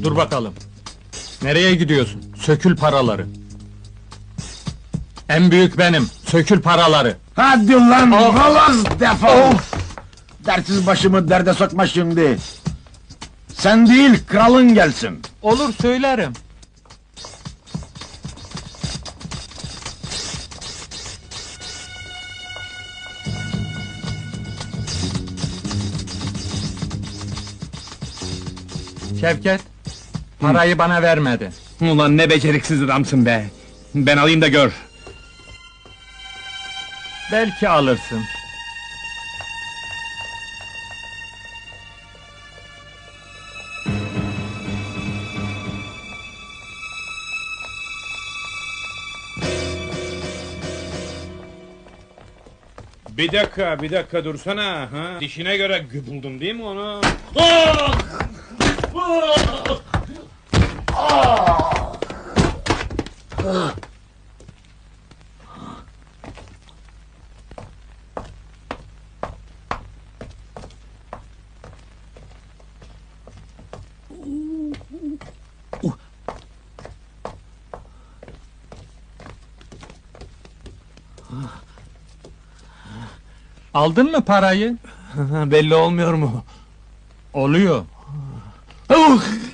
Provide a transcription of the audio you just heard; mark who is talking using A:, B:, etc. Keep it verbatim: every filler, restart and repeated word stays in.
A: dur bakalım. Nereye gidiyorsun? Sökül paraları. En büyük benim, sökül paraları.
B: Hadi lan,
A: Oh!
B: balaz defol! Dertsiz başımı derde sokma şimdi! Sen değil, kralın gelsin!
A: Olur, söylerim. Şevket, parayı bana vermedi.
C: Ulan ne beceriksiz adamsın be! Ben alayım da gör!
A: Belki alırsın.
C: Bir dakika, bir dakika dursana! Ha? Dişine göre buldum değil mi onu? Ah!
A: Aldın mı parayı?
C: Belli olmuyor mu?
A: Oluyor.
C: Uh!